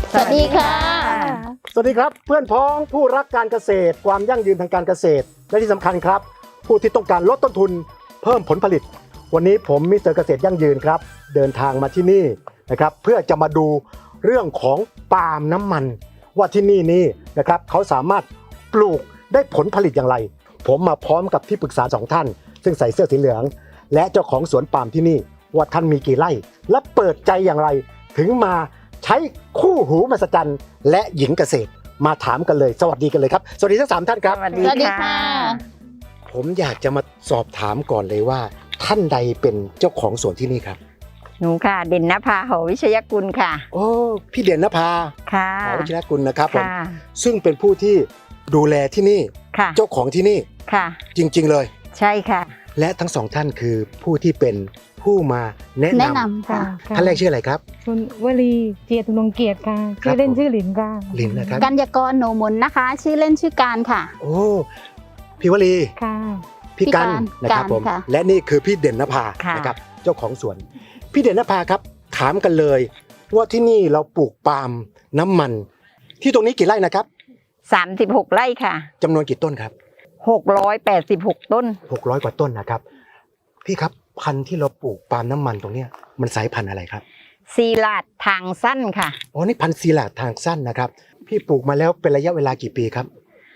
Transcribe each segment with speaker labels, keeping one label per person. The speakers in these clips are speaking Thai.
Speaker 1: สวัสดีค่ะ
Speaker 2: สวัสดีครับเพื่อนพ้องผู้รักการเกษตรความยั่งยืนทางการเกษตรและที่สำคัญครับผู้ที่ต้องการลดต้นทุนเพิ่มผลผลิตวันนี้ผมมิสเตอร์เกษตรยั่งยืนครับเดินทางมาที่นี่นะครับเพื่อจะมาดูเรื่องของปาล์มน้ำมันว่าที่นี่นะครับเขาสามารถปลูกได้ผลผลิตอย่างไรผมมาพร้อมกับที่ปรึกษา2ท่านซึ่งใส่เสื้อสีเหลืองและเจ้าของสวนปาล์มที่นี่ว่าท่านมีกี่ไร่และเปิดใจอย่างไรถึงมาใช้คู่หูมหัศจรรย์และหญิงเกษตรมาถามกันเลยสวัสดีกันเลยครับสวัสดีทั้ง3ท่านครับ
Speaker 1: สวัสดีค่ะ
Speaker 2: ผมอยากจะมาสอบถามก่อนเลยว่าท่านใดเป็นเจ้าของสวนที่นี่ครับ
Speaker 1: หนูค่ะเด่นนภาหอวิชยกุลค่ะ
Speaker 2: โอ้พี่เด่นนภา
Speaker 1: ค่ะ
Speaker 2: หอวิชยกุลนะครับผม
Speaker 1: ค่ะ
Speaker 2: ซึ่งเป็นผู้ที่ดูแลที่นี่
Speaker 1: ค่ะ
Speaker 2: เจ้าของที่นี่
Speaker 1: ค่ะ
Speaker 2: จริงๆเลย
Speaker 1: ใช่ค่ะ
Speaker 2: และทั้ง2ท่านคือผู้ที่เป็นผู้มาแนะ
Speaker 3: แนะ
Speaker 2: นำ
Speaker 3: นำค่ะ
Speaker 2: ท่านแรกชื่ออะไรครับ
Speaker 4: คุณวลีเจียตุนงเกียรติค่ะ
Speaker 2: ครับ
Speaker 4: ชื่อเล่นชื่อหลินค่ะ
Speaker 2: ลินนะครับ
Speaker 3: กัญญากรโหนมนนะคะ ชื่อเล่นชื่อการค่ะ
Speaker 2: โอ้พี่วลี
Speaker 4: ค่ะ
Speaker 2: พี่กัน
Speaker 3: พี่กัน
Speaker 2: นะครับผม
Speaker 3: ค่ะ
Speaker 2: และนี่คือพี่เด่นนภา
Speaker 1: ค่ะ
Speaker 2: นะครับเจ้าของสวน พี่เด่นนภาครับถามกันเลยว่าที่นี่เราปลูกปาล์มน้ำมัน ที่ตรงนี้กี่ไร่นะครับ
Speaker 1: 36 ไร่ค่ะ
Speaker 2: จำนวนกี่ต้นครับ
Speaker 1: 686 ต้น
Speaker 2: 600 กว่าต้นนะครับพี่ครับพันธุ์ที่เราปลูกปาล์มน้ำมันตรงเนี้ยมันสายพันธุ์อะไรครับ
Speaker 1: ซีลาดทางสั้นค่ะ
Speaker 2: อ๋อนี่พันธุ์ซีลาดทางสั้นนะครับพี่ปลูกมาแล้วเป็นระยะเวลากี่ปีครับ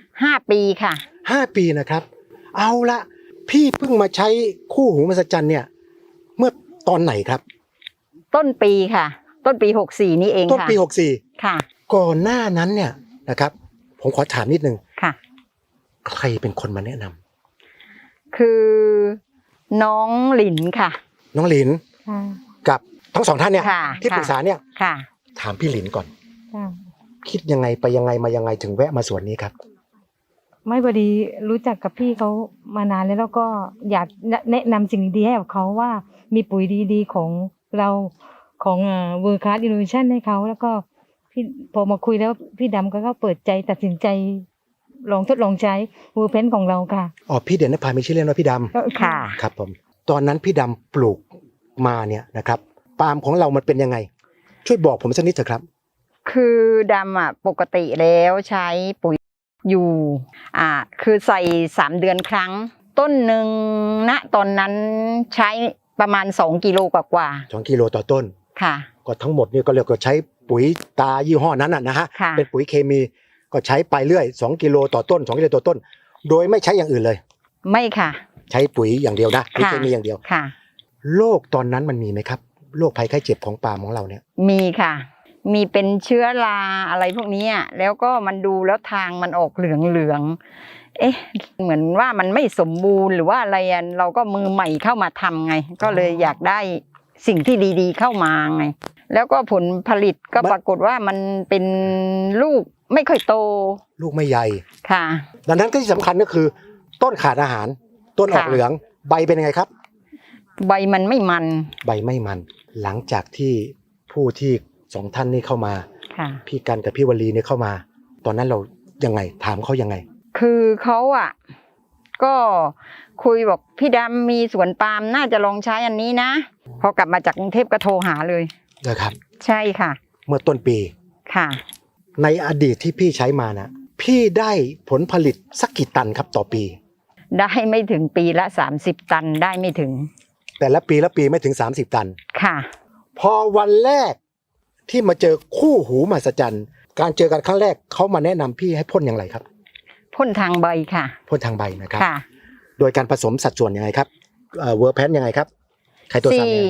Speaker 1: 5 ปีค่ะ
Speaker 2: 5 ปีนะครับเอาละพี่เพิ่งมาใช้คู่หูมหัศจรรย์เนี่ยเมื่อตอนไหนครับ
Speaker 1: ต้นปีค่ะ ต้นปี 64 นี่เอง
Speaker 2: ต้น
Speaker 1: ค่ะ
Speaker 2: ปี
Speaker 1: ค่ะ
Speaker 2: 64ก่อนหน้านั้นเนี่ยนะครับผมขอถามนิดนึง
Speaker 1: ค่ะ
Speaker 2: ใครเป็นคนมาแนะนำ
Speaker 1: คือน้องหลินค่ะ
Speaker 2: น้องหลิน
Speaker 4: ค่ะ
Speaker 2: กับทั้ง2ท่านเนี่ย
Speaker 1: ค่ะ
Speaker 2: ที่ปรึกษาเนี่ย
Speaker 1: ค่ะ
Speaker 2: ถามพี่หลินก่อน
Speaker 4: ค่ะ
Speaker 2: คิดยังไงไปยังไงมายังไงถึงแวะมาสวนนี้ครับ
Speaker 4: ไม่พอดีรู้จักกับพี่เขามานานแล้วก็อยากแนะนำสิ่งดีๆให้กับเขาว่ามีปุ๋ยดีๆของเราของเวอร์คัสอินโนเวชันให้เขาแล้วก็พี่พอมาคุยแล้วพี่ดำก็เปิดใจตัดสินใจลองทดลองใช้เวอร์เพนของเราค่ะ
Speaker 2: อ๋อพี่เด่นนภามีชื่อเล่นว่าพี่ด
Speaker 1: ค่ะ
Speaker 2: ำครับผมตอนนั้นพี่ดำปลูกมาเนี่ยนะครับปาล์มของเรามันเป็นยังไง ช่วยบอกผมสักนิดเถอะครับ
Speaker 1: คือดำอ่ะปกติแล้วใช้ปุ๋ยอยู่คือใส่3 เดือนครั้ง ต้นหนึ่งณตอนนั้นใช้ประมาณ2 กิโลกว่า
Speaker 2: 2 กิโลต่อต้น
Speaker 1: ๆค่ะ
Speaker 2: ก็ทั้งหมดเนี่ยก็เรียกว่าใช้ปุ๋ยตายี่ห้อนั้นนะฮะ
Speaker 1: ค่ะ
Speaker 2: เป็นปุ๋ยเคมีก็ใช้ไปเรื่อย2 กิโลต่อต้น2 กิโลต่อต้น โดยไม่ใช้อย่างอื่นเลย
Speaker 1: ไม่ค่ะ
Speaker 2: ใช้ปุ๋ยอย่างเดียวนะปุ๋ย
Speaker 1: ค่ะ
Speaker 2: เคมีอย่างเดียว
Speaker 1: ค่ะ
Speaker 2: โรคตอนนั้นมันมีไหมครับโรคภัยไข้เจ็บของปาล์มของเราเนี่ย
Speaker 1: มีค่ะ มีเป็นเชื้อราอะไรพวกนี้อะแล้วก็มันดูแล้วทางมันออกเหลืองๆเอ๊ะเหมือนว่ามันไม่สมบูรณ์หรือว่าอะไรอะเราก็มือใหม่เข้ามาทำไง ก็เลยอยากได้สิ่งที่ดีๆเข้ามาไง แล้วก็ผลผลิตก็ปรากฏว่ามันเป็นลูกไม่ค่อยโต
Speaker 2: ลูกไม่ใหญ่
Speaker 1: ค่ะ
Speaker 2: ดังนั้นก็ที่สำคัญก็คือต้นขาดอาหาร ต้นออก
Speaker 1: ค่ะ
Speaker 2: เหลืองใบเป็นยังไงครับ
Speaker 1: ใบมันไม่มัน
Speaker 2: ใบไม่มัน หลังจากที่ผู้ที่2ท่านนี้เข้ามา
Speaker 1: ค่ะ
Speaker 2: พี่กันกับพี่วลีเนี่ยเข้ามา ตอนนั้นเรายังไงถามเขายังไง
Speaker 1: คือเขาอ่ะก็คุยบอกพี่ดำมีสวนปาล์มน่าจะลองใช้อันนี้นะพอกลับมาจากกรุงเทพก็โทรหาเลย
Speaker 2: นะครับ
Speaker 1: ใช่ค่ะ
Speaker 2: เมื่อต้นปี
Speaker 1: ค่ะ
Speaker 2: ในอดีตที่พี่ใช้มานะพี่ได้ผลผลิตสักกี่ตันครับต่อปี
Speaker 1: ได้ไม่ถึงปีละ30 ตันได้ไม่ถึง
Speaker 2: แต่ละปีไม่ถึง30 ตัน
Speaker 1: ค่ะ
Speaker 2: พอวันแรกที่มาเจอคู่หูมหัศจรรย์การเจอกันครั้งแรกเขามาแนะนำพี่ให้พ่นอย่างไรครับ
Speaker 1: พ่นทางใบค่ะ
Speaker 2: พ่นทางใบนะครับ
Speaker 1: ค่ะ
Speaker 2: โดยการผสมสัดส่วนยังไงครับเวอร์แพนยังไงครับใครตัวสามเนี่ย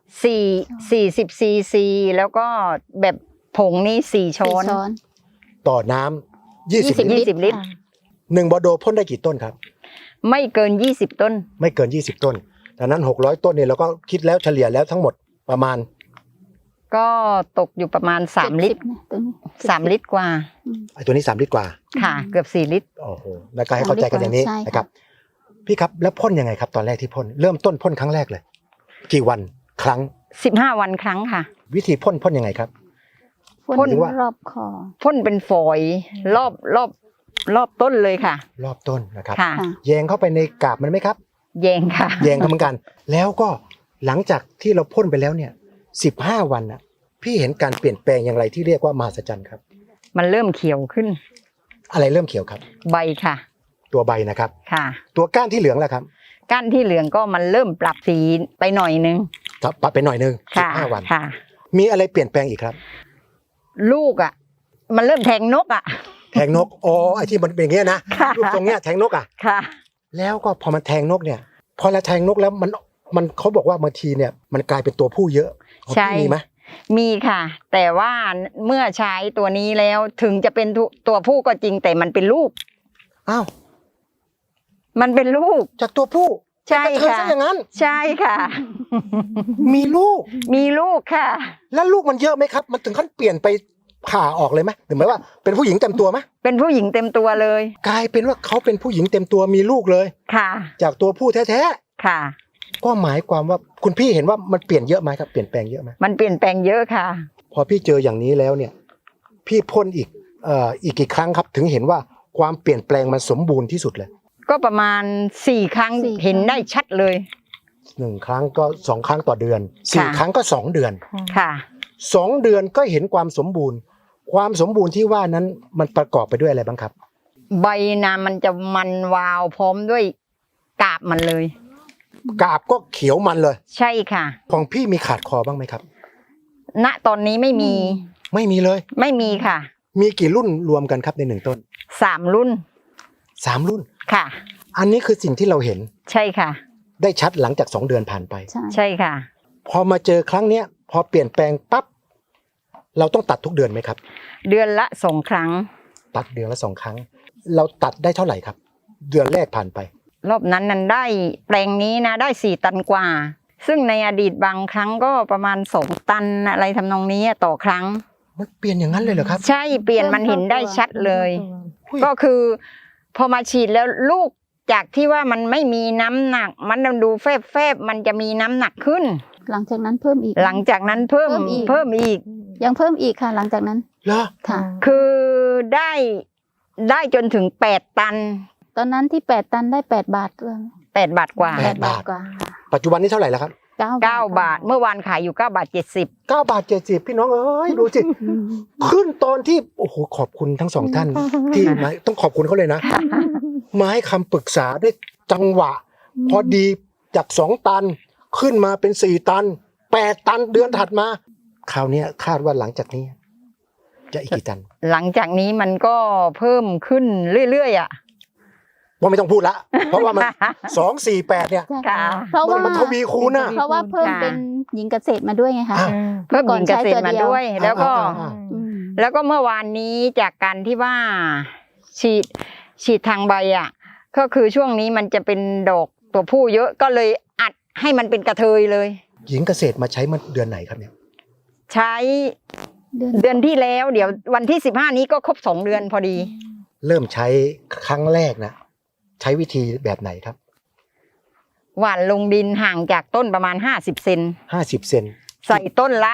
Speaker 1: 40 ซีซีแล้วก็แบบผงนี่4 ช้อน
Speaker 2: ต่อน้ำ20 ลิตร
Speaker 1: 20 ลิตร
Speaker 2: 1 บอโดพ่นได้กี่ต้นครับ
Speaker 1: ไม่เกิน20 ต้น
Speaker 2: ไม่เกิน20 ต้นดังนั้น600 ต้นเนี่ยเราก็คิดแล้วเฉลี่ยแล้วทั้งหมดประมาณ
Speaker 1: ก็ตกอยู่ประมาณ3 ลิตร3 ลิตรกว่า
Speaker 2: ไอ้ตัวนี้3 ลิตรกว่า
Speaker 1: ค่ะ เกือบ4 ลิตร
Speaker 2: โอ้โหแล้วก็ให้เข้าใจกันอย่างนี้
Speaker 3: ใช่ค่ะ
Speaker 2: นะครับพี่ครับแล้วพ่นยังไงครับตอนแรกที่พ่นเริ่มต้นพ่นครั้งแรกเลย กี่วันครั้ง
Speaker 1: 15 วันครั้งค่ะ
Speaker 2: วิธีพ่นยังไงครับ
Speaker 3: พ่น
Speaker 2: หรือว่า
Speaker 3: รอบคอ
Speaker 1: พ่นเป็นฝอยรอบต้นเลยค่ะ
Speaker 2: รอบต้นนะครับ
Speaker 1: ค่ะ
Speaker 3: ค่ะ
Speaker 2: แยงเข้าไปในกาบมันไหมครับ
Speaker 1: แยงค่ะ
Speaker 2: แยงเข้าเหมือนกัน แล้วก็หลังจากที่เราพ่นไปแล้วเนี่ย15 วันน่ะพี่เห็นการเปลี่ยนแปลงอย่างไรที่เรียกว่ามหัศจรรย์ครับ
Speaker 1: มันเริ่มเขียวขึ้น
Speaker 2: อะไรเริ่มเขียวครับ
Speaker 1: ใบค่ะ
Speaker 2: ตัวใบนะครับ
Speaker 1: ค่ะ
Speaker 2: ตัวก้านที่เหลืองแล้วครับ
Speaker 1: ก้านที่เหลืองก็มันเริ่มปรับสีไปหน่อยนึง
Speaker 2: ปรับไปหน่อยนึง
Speaker 1: ค่ะ
Speaker 2: 15 วัน
Speaker 1: ค่ะ
Speaker 2: มีอะไรเปลี่ยนแปลงอีกครับ
Speaker 1: ลูกอ่ะ มันเริ่มแทงนกอ่ะ
Speaker 2: แทงนกอ๋อไอ้ที่มันเป็นอย่างเงี้ยนะ
Speaker 1: ค่ะ
Speaker 2: รูปทรงเนี้ยแทงนกอ่ะ
Speaker 1: ค่ะ
Speaker 2: แล้วก็พอมันแทงนกเนี่ย พอเราแทงนกแล้วมันเขาบอกว่าบางทีเนี่ยมันกลายเป็นตัวผู้เยอะของ
Speaker 1: ใช่
Speaker 2: พี่มีไหม
Speaker 1: มีค่ะ แต่ว่าเมื่อใช้ตัวนี้แล้วถึงจะเป็นตัวผู้ก็จริงแต่มันเป็นลูก
Speaker 2: อ้าว
Speaker 1: มันเป็นลูก
Speaker 2: จากตัวผู้
Speaker 1: ใช่
Speaker 2: เป็นกระเทย
Speaker 1: ค่ะ
Speaker 2: ซะอย่างนั้น
Speaker 1: ใช่ค่ะ
Speaker 2: มีลูก
Speaker 1: มีลูกค่ะ
Speaker 2: แล้วลูกมันเยอะไหมครับ มันถึงขั้นเปลี่ยนไปผ่าออกเลยไหมหรือหมายว่าเป็นผู้หญิงเต็มตัวไหม
Speaker 1: เป็นผู้หญิงเต็มตัวเลย
Speaker 2: กลายเป็นว่าเขาเป็นผู้หญิงเต็มตัวมีลูกเลย
Speaker 1: ค่ะ
Speaker 2: จากตัวผู้แท้
Speaker 1: ค่ะ
Speaker 2: ๆก็หมายความว่าคุณพี่เห็นว่ามันเปลี่ยนเยอะไหมครับเปลี่ยนแปลงเยอะไหม
Speaker 1: มันเปลี่ยนแปลงเยอะค่ะ
Speaker 2: พอพี่เจออย่างนี้แล้วเนี่ย พี่พ่นอีกกี่ครั้งครับ ถึงเห็นว่าความเปลี่ยนแปลงมันสมบูรณ์ที่สุดเลย
Speaker 1: ก็ประมาณ4 ครั้ง
Speaker 3: 4
Speaker 1: เห็นได้ชัดเลย
Speaker 2: 1 ครั้งก็2 ครั้งต่อเดือน
Speaker 1: ค่ะ
Speaker 2: 4 ครั้งก็2 เดือน
Speaker 1: ค่ะ
Speaker 2: 2 เดือนก็เห็นความสมบูรณ์ ความสมบูรณ์ที่ว่านั้นมันประกอบไปด้วยอะไรบ้างครับ
Speaker 1: ใบนามันจะมันวาวพร้อมด้วยกาบมันเลย
Speaker 2: กาบก็เขียวมันเลย
Speaker 1: ใช่ค่ะ
Speaker 2: ของพี่มีขาดคอบ้างไหมครับ
Speaker 1: ณตอนนี้ไม่มี
Speaker 2: ไม่มีเลย
Speaker 1: ไม่มีค่ะ
Speaker 2: มีกี่รุ่นรวมกันครับใน1 ต้น
Speaker 1: 3 รุ่น
Speaker 2: 3 รุ่น
Speaker 1: ค่ะ
Speaker 2: อันนี้คือสิ่งที่เราเห็น
Speaker 1: ใช่ค่ะ
Speaker 2: ได้ชัดหลังจาก2 เดือนผ่านไป
Speaker 3: ใช่
Speaker 1: ใช่ค่ะ
Speaker 2: พอมาเจอครั้งเนี้ยพอเปลี่ยนแปลงปั๊บเราต้องตัดทุกเดือนไหมครับ
Speaker 1: เดือนละ2 ครั้ง
Speaker 2: ตัดเดือนละ2 ครั้ง เราตัดได้เท่าไหร่ครับ เดือนแรกผ่านไป
Speaker 1: รอบนั้นได้แปลงนี้นะได้4 ตันกว่า ซึ่งในอดีตบางครั้งก็ประมาณ2 ตันอะไรทำนองนี้ต่อครั้ง
Speaker 2: มันเปลี่ยนอย่างนั้นเลยเหรอครับ
Speaker 1: ใช่เปลี่ยนมันเห็นได้ชัดเลย
Speaker 2: อุ้ย
Speaker 1: ก็คือพอมาฉีดแล้วลูกจากที่ว่ามันไม่มีน้ำหนัก มันดูแฟบๆมันจะมีน้ำหนักขึ้น
Speaker 3: หลังจากนั้นเพิ่มอีก
Speaker 1: หลังจากนั้นเพิ่ม
Speaker 3: เพิ่มอีก
Speaker 1: เพิ่มอีก
Speaker 3: ยังเพิ่มอีกค่ะ หลังจากนั้น
Speaker 2: เหรอ
Speaker 3: ค่ะ
Speaker 1: คือได้จนถึง8 ตัน
Speaker 3: ตอนนั้นที่8 ตันได้8 บาทด้วย
Speaker 1: 8 บาทกว่า
Speaker 2: 8 บาท
Speaker 3: กว่า
Speaker 2: ปัจจุบันนี้เท่าไหร่แล้วครับ
Speaker 1: 9 บาทเมื่อวานขายอยู่9 บาท 70
Speaker 2: 9 บาท 70พี่น้องเอ้ยดูสิ
Speaker 3: อืม
Speaker 2: ขึ้นตอนที่โอ้โหขอบคุณทั้ง2 ท่านที่มาต้องขอบคุณเขาเลยนะ มาให้คำปรึกษาได้จังหวะ พอดีจาก2 ตันขึ้นมาเป็น4 ตัน 8 ตันเดือนถัดมา คราวเนี้ยคาดว่าหลังจากนี้ จะอีกกี่ตัน
Speaker 1: หลังจากนี้มันก็เพิ่มขึ้นเรื่อยๆ
Speaker 2: ว่าไม่ต้องพูดละ เพราะว่ามัน 248 เนี่ย
Speaker 3: ใช่
Speaker 1: ค่ะ
Speaker 3: เพราะว่า
Speaker 2: มันทวีคูณน่ะ
Speaker 3: เพราะว่าเพิ่มเป็นหญิงเกษตรมาด้วยไงคะ
Speaker 2: อ่า
Speaker 1: เพิ่มหญิงเกษตรมาด้วย แล้วก็
Speaker 2: อ่า
Speaker 3: อืม
Speaker 1: แล้วก็เมื่อวานนี้จากการที่ว่าฉีดทางใบก็คือช่วงนี้มันจะเป็นดอกตัวผู้เยอะก็เลยอัดให้มันเป็นกระเทยเลย
Speaker 2: หญิงเกษตรมาใช้เมื่อเดือนไหนครับเนี่ย
Speaker 1: ใช้เดือนที่แล้วเดี๋ยววันที่15นี้ก็ครบ2 เดือนพอดี
Speaker 2: เริ่มใช้ครั้งแรกนะใช้วิธีแบบไหนครับ
Speaker 1: หว่านลงดินห่างจากต้นประมาณ50 เซน
Speaker 2: 50 เซน
Speaker 1: ใส่ต้นละ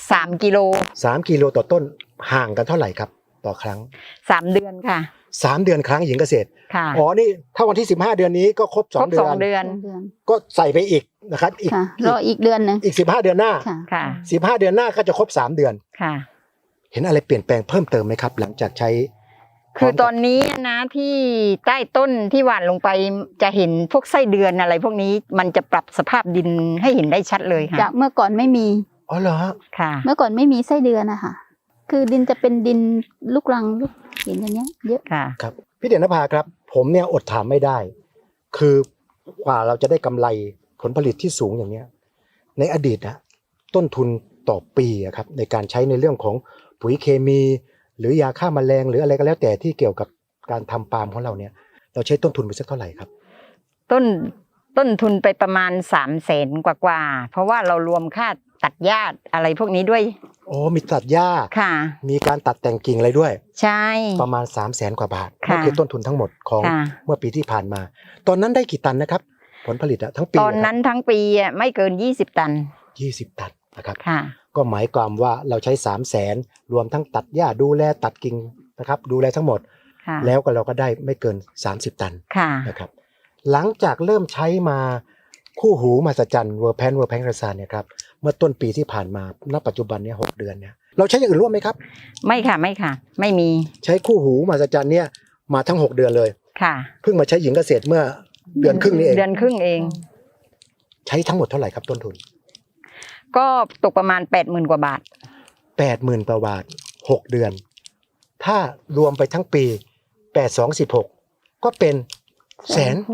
Speaker 1: 3 กิโล
Speaker 2: 3 กิโลต่อต้นห่างกันเท่าไหร่ครับต่อครั้ง
Speaker 1: 3 เดือนค่ะ
Speaker 2: 3 เดือนครั้งหญิงเกษตร
Speaker 1: ค่ะ
Speaker 2: อ๋อนี่ถ้าวันที่15 เดือนนี้ก็ครบ
Speaker 1: ครบ
Speaker 2: 2 เดือน
Speaker 1: 2 เดือน
Speaker 3: เดือน
Speaker 2: ก็ใส่ไปอีกนะครับอีก
Speaker 3: ค่ะรออีกเดือนหนึ่ง
Speaker 2: อีก15 เดือนหน้า
Speaker 3: ค่ะ
Speaker 1: ค่ะ
Speaker 2: 15 เดือนหน้าก็จะครบ3 เดือน
Speaker 1: ค่ะ
Speaker 2: เห็นอะไรเปลี่ยนแปลงเพิ่มเติมไหมครับ หลังจากใช้
Speaker 1: คือตอนนี้นะที่ใต้ต้นที่หว่านลงไปจะเห็นพวกไส้เดือนอะไร พวกนี้มันจะปรับสภาพดินให้เห็นได้ชัดเลยค่ะ
Speaker 3: จากเมื่อก่อนไม่มี
Speaker 2: อ๋อเหรอฮะ
Speaker 1: ค่ะ
Speaker 3: เมื่อก่อนไม่มีไส้เดือนนะคะคือดินจะเป็นดินลูกรังลูกหินอย่างเงี้ย เยอะ
Speaker 1: ค่ะ
Speaker 2: ครับพี่เด่นนภาครับ ผมเนี่ยอดถามไม่ได้ คือกว่าเราจะได้กำไรผลผลิตที่สูงอย่างเนี้ยในอดีตนะต้นทุนต่อปีอะครับในการใช้ในเรื่องของปุ๋ยเคมี หรือยาฆ่าแมลงหรืออะไรก็แล้วแต่ที่เกี่ยวกับการทำปาล์มของเราเนี่ยเราใช้ต้นทุนไปสักเท่าไหร่ครับ
Speaker 1: ต้นทุนไปประมาณ300,000กว่าๆเพราะว่าเรารวมค่าตัดหญ้าอะไรพวกนี้ด้วย
Speaker 2: โอ้มีตัดหญ้า
Speaker 1: ค่ะ
Speaker 2: มีการตัดแต่งกิ่งอะไรด้วย
Speaker 1: ใช่
Speaker 2: ประมาณ300,000 กว่าบาท
Speaker 1: ค่ะ
Speaker 2: นั่นคือต้นทุนทั้งหมดของ
Speaker 1: ค่ะ
Speaker 2: เมื่อปีที่ผ่านมา ตอนนั้นได้กี่ตันนะครับ ผลผลิตอะทั้งปี
Speaker 1: ตอนนั้นทั้งปีไม่เกิน20 ตัน
Speaker 2: 20 ตันนะครับ
Speaker 1: ค่ะ
Speaker 2: ก็หมายความว่าเราใช้300,000รวมทั้งตัดหญ้าดูแลตัดกิ่งนะครับดูแลทั้งหมด
Speaker 1: ค่ะ
Speaker 2: แล้วก็เราก็ได้ไม่เกิน30 ตัน
Speaker 1: ค่ะ
Speaker 2: นะครับหลังจากเริ่มใช้มาคู่หูมหัศจรรย์เวอร์แพนกระซานเนี่ยครับเมื่อต้นปีที่ผ่านมาณปัจจุบันเนี่ย6 เดือนเนี่ยเราใช้อย่างอื่นร่วมไหมครับ
Speaker 1: ไม่ค่ะไม่ค่ะ ไม่มี
Speaker 2: ใช้คู่หูมหัศจรรย์เนี่ยมาทั้ง6 เดือนเลย
Speaker 1: ค่ะ
Speaker 2: เพิ่งมาใช้หญิงเกษตรเมื่อเดือนครึ่งนี้เอง
Speaker 1: เดือนครึ่งเอง
Speaker 2: ใช้ทั้งหมดเท่าไหร่ครับต้นทุน
Speaker 1: ก็ตกประมาณ 80,000 กว่าบาท
Speaker 2: 80,000 กว่าบาท6 เดือน ถ้ารวมไปทั้งปี8216ก็เป็น1,600,000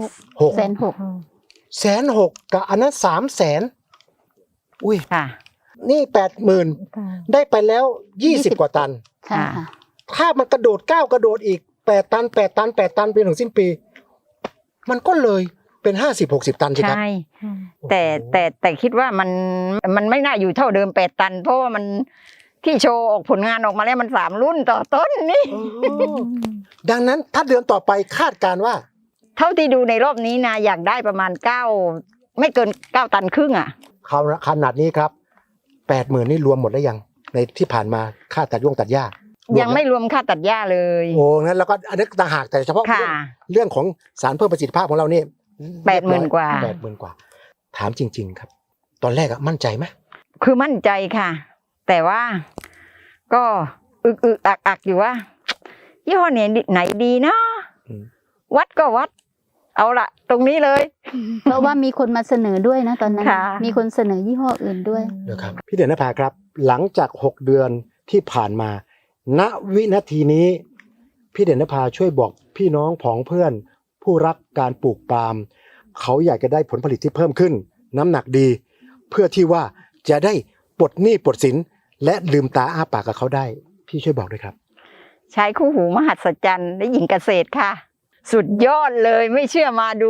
Speaker 2: 1,600,000กับอันนั้น300,000อุ้ย
Speaker 1: ค่ะ
Speaker 2: นี่ 80,000
Speaker 4: ค่ะ
Speaker 2: ได้ไปแล้ว20 กว่าตัน
Speaker 3: ค่ะ
Speaker 2: ถ้ามันกระโดดก้าวกระโดดอีก8 ตัน8 ตัน8 ตันไปถึงสิ้นปี มันก็เลยเป็น50-60 ตันใช่ครับ
Speaker 1: ใช่ แต่คิดว่ามันไม่น่าอยู่เท่าเดิม8 ตัน เพราะว่ามันที่โชว์ออกผลงานออกมาแล้วมัน3 รุ่นต่อต้นนี่
Speaker 2: ดังนั้นถ้าเดือนต่อไปคาดการณ์ว่า
Speaker 1: เท่าที่ดูในรอบนี้นะอยากได้ประมาณ9ไม่เกิน9 ตันครึ่งอ่ะ
Speaker 2: ขนาดนี้ครับ 80,000 นี่รวมหมดแล้วยังในที่ผ่านมาค่าตัดตัดหญ้า
Speaker 1: ยังไม่รวมค่าตัดหญ้าเลย
Speaker 2: โอ้งั้นแล้วก็อันนี้ต่างหากแต่เฉพาะ
Speaker 1: ค่ะ
Speaker 2: เรื่องของสารเพิ่มประสิทธิภาพของเรานี่
Speaker 1: 80,000 กว่า
Speaker 2: 80,000 กว่า ถามจริง ๆ ครับ ตอนแรกอะมั่นใจไหม
Speaker 1: คือมั่นใจค่ะ แต่ว่าก็อึกอักอยู่ว่ายี่ห้อไหนดีนะ วัดก็วัด เอาละตรงนี้เลย
Speaker 3: เพราะว่ามีคนมาเสนอด้วยนะตอนนั้น
Speaker 1: ค่ะ
Speaker 3: มีคนเสนอยี่ห้ออื่นด้วย
Speaker 2: เดี๋ยวครับพี่เด่นนภาครับ หลังจาก6 เดือนที่ผ่านมา ณวินาทีนี้พี่เด่นนภาช่วยบอกพี่น้องผองเพื่อน ผู้รักการปลูกปาล์มเขาอยากจะได้ผลผลิตที่เพิ่มขึ้น น้ำหนักดี เพื่อที่ว่าจะได้ปลดหนี้ปลดสินและลืมตาอ้าปากกับเขาได้ พี่ช่วยบอกด้วยครับ
Speaker 1: ใช้คู่หูมหัศจรรย์และหญิงเกษตรค่ะ สุดยอดเลยไม่เชื่อมาดู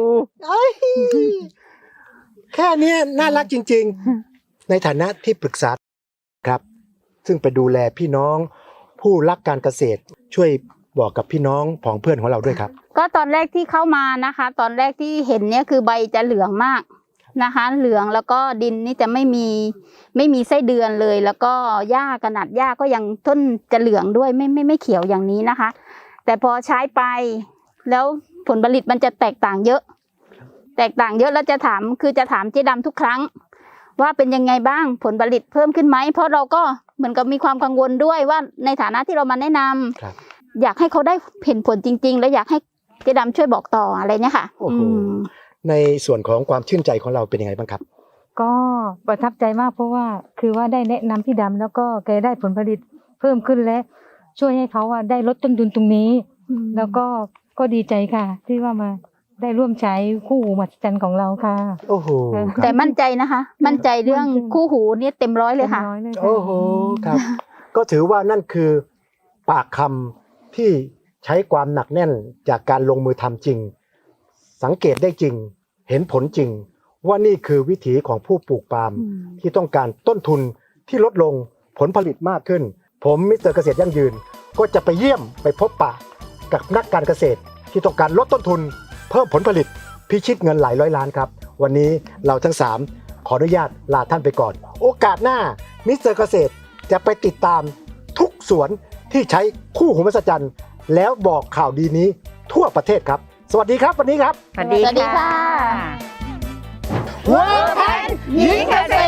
Speaker 2: แค่เนี้ยน่ารักจริง ๆ ในฐานะที่ปรึกษาครับ ซึ่งไปดูแลพี่น้องผู้รักการเกษตร ช่วยบอกกับพี่น้องผองเพื่อนของเราด้วยครับ
Speaker 3: ก็ตอนแรกที่เข้ามานะคะ ตอนแรกที่เห็นเนี่ยคือใบจะเหลืองมากนะคะ เหลืองแล้วก็ดินนี่จะไม่มีไส้เดือนเลย แล้วก็หญ้าขนาดหญ้าก็ยังต้นจะเหลืองด้วยไม่เขียวอย่างนี้นะคะ แต่พอใช้ไปแล้วผลผลิตมันจะแตกต่างเยอะ แล้วจะถามเจ๊ดำทุกครั้ง ว่าเป็นยังไงบ้างผลผลิตเพิ่มขึ้นไหมเพราะเราก็เหมือนกับมีความกังวลด้วยว่าในฐานะที่เรามาแนะนำ
Speaker 2: ครับ
Speaker 3: อยากให้เขาได้เห็นผลจริง ๆ และอยากให้เจ๊ดำช่วยบอกต่ออะไรเนี่ยค่ะ
Speaker 2: โอ้โห ในส่วนของความชื่นใจของเราเป็นยังไงบ้างครับ
Speaker 4: ก็ประทับใจมากเพราะว่าคือว่าได้แนะนำพี่ดำแล้วก็แกได้ผลผลิตเพิ่มขึ้นและช่วยให้เขาว่าได้ลดต้นทุนตรงนี้ แล้วก็ดีใจค่ะ ที่ว่ามาได้ร่วมใช้คู่หูมหัศจรรย์ของเราค่ะ
Speaker 2: โอ้โหค
Speaker 3: แต่
Speaker 2: รับ
Speaker 3: มั่นใจนะคะ มั่นใจเรื่องคู่หูเนี่ยเต็มร้อยเลยค่ะ
Speaker 4: ต็มร้อยเลยค่ะ
Speaker 2: โอ้โหครับ ก็ถือว่านั่นคือปากคำที่ใช้ความหนักแน่นจากการลงมือทำจริง สังเกตได้จริง เห็นผลจริง ว่านี่คือวิถีของผู้ปลูกปาล์มที่ต้องการต้นทุนที่ลดลงผลผลิตมากขึ้น ผมมิสเตอร์เกษตรยั่งยืน ก็จะไปเยี่ยมไปพบปะกับนักการเกษตร ที่ต้องการลดต้นทุน เพิ่มผลผลิตพิชิตเงินหลายร้อยล้านครับ วันนี้เราทั้ง 3 ขออนุญาตลาท่านไปก่อน โอกาสหน้ามิสเตอร์เกษตรจะไปติดตามทุกสวนที่ใช้คู่หูมหัศจรรย์แล้วบอกข่าวดีนี้ทั่วประเทศครับ สวัสดีครับวันนี้ครับ
Speaker 1: สวัสดี
Speaker 3: สวัสดีค่ะ
Speaker 1: เวิร์คแพนหญิงเกษ